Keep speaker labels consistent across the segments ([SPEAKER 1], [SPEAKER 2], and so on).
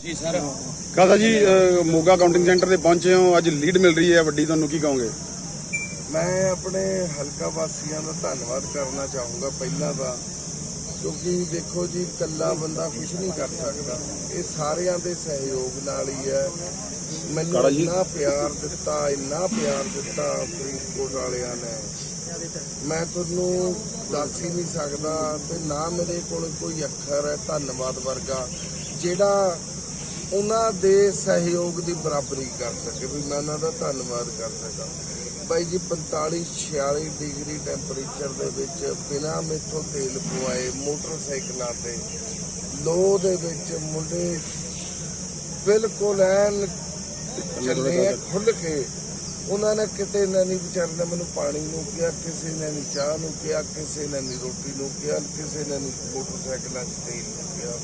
[SPEAKER 1] जी sir.
[SPEAKER 2] Khalsa ਜੀ Moga counting centre ਤੇ ਪਹੁੰਚੇ ਹੋ, ਅੱਜ ਲੀਡ ਮਿਲ ਰਹੀ ਹੈ ਵੱਡੀ, ਤੁਹਾਨੂੰ ਕੀ ਕਹੋਗੇ?
[SPEAKER 3] ਮੈਂ ਆਪਣੇ ਹਲਕਾ ਵਾਸੀਆਂ ਦਾ ਧੰਨਵਾਦ ਕਰਨਾ ਚਾਹੂੰਗਾ ਪਹਿਲਾਂ ਤਾਂ, ਕਿਉਂਕਿ ਦੇਖੋ ਜੀ ਇਕੱਲਾ ਬੰਦਾ ਕੁਝ ਨਹੀਂ ਕਰ ਸਕਦਾ, ਇਹ ਸਾਰਿਆਂ ਦੇ ਸਹਿਯੋਗ ਨਾਲ ਹੀ ਹੈ। ਮੈਨੂੰ ਇੰਨਾ ਪਿਆਰ ਦਿੱਤਾ ਫਰੀਦਕੋਟ ਵਾਲਿਆਂ ਨੇ, ਮੈਂ ਤੁਹਾਨੂੰ ਦੱਸ ਹੀ ਨਹੀਂ ਸਕਦਾ, ਤੇ ਨਾ ਮੇਰੇ ਕੋਲ ਕੋਈ ਅੱਖਰ ਹੈ ਧੰਨਵਾਦ ਵਰਗਾ ਜਿਹੜਾ ਉਹਨਾਂ ਦੇ ਸਹਿਯੋਗ ਦੀ ਬਰਾਬਰੀ ਕਰ ਸਕੇ ਵੀ ਮੈਂ ਉਹਨਾਂ ਦਾ ਧੰਨਵਾਦ ਕਰ ਸਕਾਂ। ਬਾਈ ਜੀ 45-46 ਡਿਗਰੀ ਟੈਂਪਰੇਚਰ ਦੇ ਵਿੱਚ ਬਿਨਾਂ ਮੇਥੋਂ ਤੇਲ ਪਵਾਏ ਮੋਟਰਸਾਈਕਲਾਂ ਤੇ ਲੋਹ ਦੇ ਵਿੱਚ ਮੁੰਡੇ ਬਿਲਕੁਲ ਐਨ ਚੱਲੇ ਆ ਖੁੱਲ ਕੇ। ਉਹਨਾਂ ਨੇ ਕਿਤੇ ਨਾ ਨਹੀਂ ਵਿਚਾਰੇ ਨੇ ਮੈਨੂੰ ਪਾਣੀ ਨੂੰ ਕਿਹਾ, ਕਿਸੇ ਨੇ ਨਹੀਂ ਚਾਹ ਨੂੰ ਕਿਹਾ, ਕਿਸੇ ਨੇ ਨਹੀਂ ਰੋਟੀ ਨੂੰ ਕਿਹਾ, ਕਿਸੇ ਨੇ ਨਹੀਂ ਮੋਟਰਸਾਈਕਲਾਂ 'ਚ ਤੇਲ ਨੂੰ ਕਿਹਾ।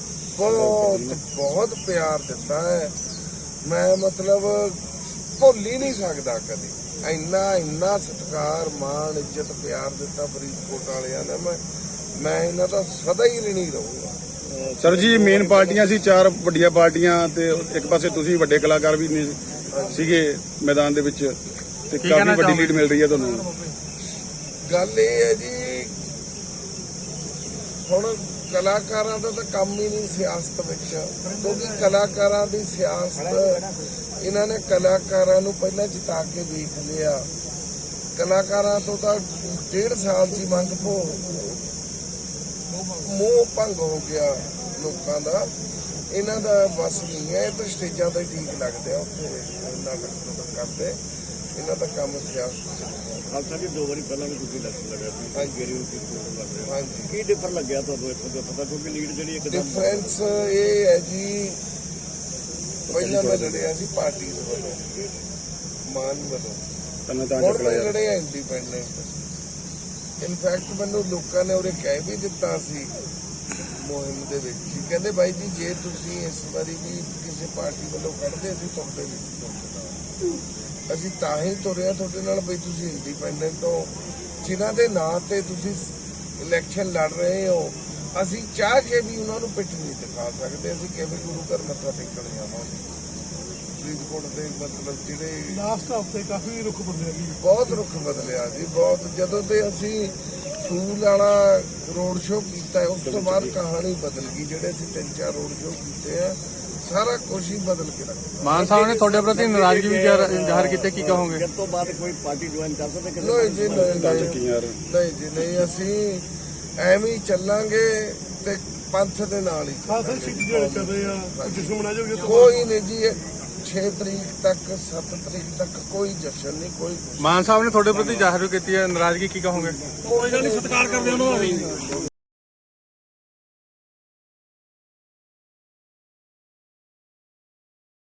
[SPEAKER 3] ਬਹੁਤ ਪਿਆਰ ਦਿੱਤਾ ਹੈ, ਮੈਂ ਮਤਲਬ ਭੁੱਲ ਹੀ ਨਹੀਂ ਸਕਦਾ ਕਦੇ। ਇੰਨਾ ਸਤਿਕਾਰ ਮਾਣ ਇੱਜ਼ਤ ਪਿਆਰ ਦਿੱਤਾ ਫਰੀਦਕੋਟ ਵਾਲਿਆਂ ਨੇ, ਮੈਂ ਇਹਨਾਂ ਦਾ ਸਦਾ ਹੀ ঋਣੀ ਰਹੂੰਗਾ।
[SPEAKER 2] ਸਰ ਜੀ ਮੇਨ ਪਾਰਟੀਆਂ ਸੀ 4 ਵੱਡੀਆਂ ਪਾਰਟੀਆਂ, ਤੇ ਇੱਕ ਪਾਸੇ ਤੁਸੀਂ ਵੱਡੇ ਕਲਾਕਾਰ ਵੀ ਸੀਗੇ ਮੈਦਾਨ ਦੇ ਵਿੱਚ, ਤੇ ਕਾਫੀ ਵੱਡੀ ਲੀਡ ਮਿਲ ਰਹੀ ਹੈ ਤੁਹਾਨੂੰ।
[SPEAKER 3] ਗੱਲ ਇਹ ਹੈ ਜੀ, ਹੁਣ ਕਲਾਕਾਰਾਂ ਦਾ ਤਾਂ ਕੰਮ ਹੀ ਨਹੀਂ ਸਿਆਸਤ ਵਿੱਚ, ਕਿਉਂਕਿ ਕਲਾਕਾਰਾਂ ਦੀ ਸਿਆਸਤ ਇਹਨਾਂ ਨੇ ਕਲਾਕਾਰਾਂ ਨੂੰ ਪਹਿਲਾਂ ਜਿਤਾ ਕੇ ਵੇਖ ਲਿਆ। ਕਲਾਕਾਰਾਂ ਤੋਂ ਤਾਂ 1.5 ਸਾਲ ਦੀ ਮੰਗ ਮੋਹ ਭੰਗ ਹੋ ਗਿਆ ਲੋਕਾਂ ਦਾ, ਇਹਨਾਂ ਦਾ ਬਸ ਨਹੀਂ ਹੈ। ਇਹ ਤਾਂ ਸਟੇਜਾਂ ਤੇ ਠੀਕ ਲੱਗਦੇ ਆ, ਉੱਥੇ ਨਾਟਕ ਕਰਦੇ, ਇਹਨਾਂ ਦਾ ਕੰਮ ਸਿਆਸਤ।
[SPEAKER 1] ਖਾਲਸਾ ਜੀ 2 ਵਾਰੀ ਪਹਿਲਾਂ ਵੀ ਤੁਸੀਂ ਇਲੈਕਸ਼ਨ ਲੜਿਆ ਸੀ,
[SPEAKER 3] ਹਾਂਜੀ
[SPEAKER 1] ਕੀ ਡਿਫਰ ਲੱਗਿਆ ਤੁਹਾਨੂੰ ਇੱਥੋਂ ਦਾ ਪਤਾ, ਕਿਉਂਕਿ ਲੀਡ ਜਿਹੜੀ ਇੱਕ
[SPEAKER 3] ਡਿਫਰੈਂਸ ਇਹ ਹੈ ਜੀ, ਪਹਿਲਾਂ ਮੈਂ ਲੜਿਆ ਸੀ ਪਾਰਟੀ ਵੱਲੋਂ, ਮਾਨ ਵੱਲੋਂ, ਹੁਣ ਮੈਂ ਲੜਿਆ ਇੰਡੀਪੈਂਡੈਂਟ। ਇਨਫੈਕਟ ਮੈਨੂੰ ਲੋਕਾਂ ਨੇ ਉਹਦੇ ਕਹਿ ਵੀ ਦਿੱਤਾ ਸੀ ਮੁਹਿੰਮ ਦੇ ਵਿੱਚ, ਕਹਿੰਦੇ ਬਾਈ ਜੀ ਜੇ ਤੁਸੀਂ ਇਸ ਵਾਰੀ ਵੀ ਕਿਸੇ ਪਾਰਟੀ ਵੱਲੋਂ ਕੱਢਦੇ ਅਸੀਂ ਤੁਹਾਡੇ ਵਿੱਚ ਤੁਰਨਾ, ਅਸੀਂ ਤਾਂ ਹੀ ਤੁਰਿਆ ਤੁਹਾਡੇ ਨਾਲ ਬਈ ਤੁਸੀਂ ਇੰਡੀਪੈਂਡੈਂਟ ਹੋ, ਜਿਨ੍ਹਾਂ ਦੇ ਨਾਂ ਤੇ ਤੁਸੀਂ ਇਲੈਕਸ਼ਨ ਲੜ ਰਹੇ ਹੋ। ਅਸੀਂ ਚਾਹ ਕੇ ਵੀ ਉਹਨਾਂ ਨੂੰ ਪਿੱਠ ਨਹੀਂ ਦਿਖਾ ਸਕਦੇ, ਅਸੀਂ ਕਿਵੇਂ ਗੁਰੂ ਘਰ ਮੱਥਾ ਟੇਕਣ ਜਾਵਾਂਗੇ। ਫਰੀਦਕੋਟ ਦੇ ਮਤਲਬ ਜਿਹੜੇ
[SPEAKER 4] ਲਾਸਟ ਹਫ਼ਤੇ ਕਾਫੀ ਰੁੱਖ ਬਦਲਿਆ ਜੀ,
[SPEAKER 3] ਬਹੁਤ ਰੁੱਖ ਬਦਲਿਆ ਜੀ, ਬਹੁਤ। ਜਦੋਂ ਤੇ ਅਸੀਂ ਫੂਲ ਵਾਲਾ ਰੋਡ ਸ਼ੋਅ ਕੀਤਾ, ਉਸ ਤੋਂ ਬਾਅਦ ਕਹਾਣੀ ਬਦਲ ਗਈ। ਜਿਹੜੇ ਅਸੀਂ 3-4 ਰੋਡ ਸ਼ੋਅ ਕੀਤੇ ਆ, ਸਾਰਾ ਕੁਝ ਹੀ ਬਦਲ ਕੇ ਰੱਖਿਆ।
[SPEAKER 4] ਮਾਨ ਸਾਹਿਬ ਨੇ ਤੁਹਾਡੇ ਪ੍ਰਤੀ ਨਾਰਾਜ਼ਗੀ ਵੀ ਜ਼ਾਹਰ ਕੀਤੀ, ਕੀ ਕਹੋਗੇ?
[SPEAKER 1] ਇਸ ਤੋਂ ਬਾਅਦ ਕੋਈ ਪਾਰਟੀ ਜੁਆਇਨ ਕਰ ਸਕਦੇ?
[SPEAKER 3] ਨਹੀਂ ਜੀ ਨਹੀਂ, ਅਸੀਂ ਐਵੇਂ ਹੀ ਚੱਲਾਂਗੇ ਤੇ ਪੰਥ ਦੇ ਨਾਲ ਹੀ।
[SPEAKER 4] ਖਾਲਸਾ ਸਿੱਖ ਜਿਹੜੇ ਚੱਲ ਰਹੇ ਆ, ਜਸ਼ਨ ਮਨਾਇਆ ਜਾਊਗਾ?
[SPEAKER 3] ਕੋਈ ਨਹੀਂ ਜੀ, 6 ਤਰੀਕ ਤੱਕ 7 ਤਰੀਕ ਤੱਕ ਕੋਈ ਜਸ਼ਨ ਨਹੀਂ, ਕੋਈ।
[SPEAKER 4] ਮਾਨ ਸਾਹਿਬ ਨੇ ਤੁਹਾਡੇ ਪ੍ਰਤੀ ਜ਼ਾਹਰ ਕੀਤੀ ਹੈ ਨਾਰਾਜ਼ਗੀ, ਕੀ ਕਹੋਗੇ? ਕੋਈ ਗੱਲ ਨਹੀਂ, ਸਤਿਕਾਰ ਕਰਦੇ ਉਹਨਾਂ ਦਾ ਵੀ।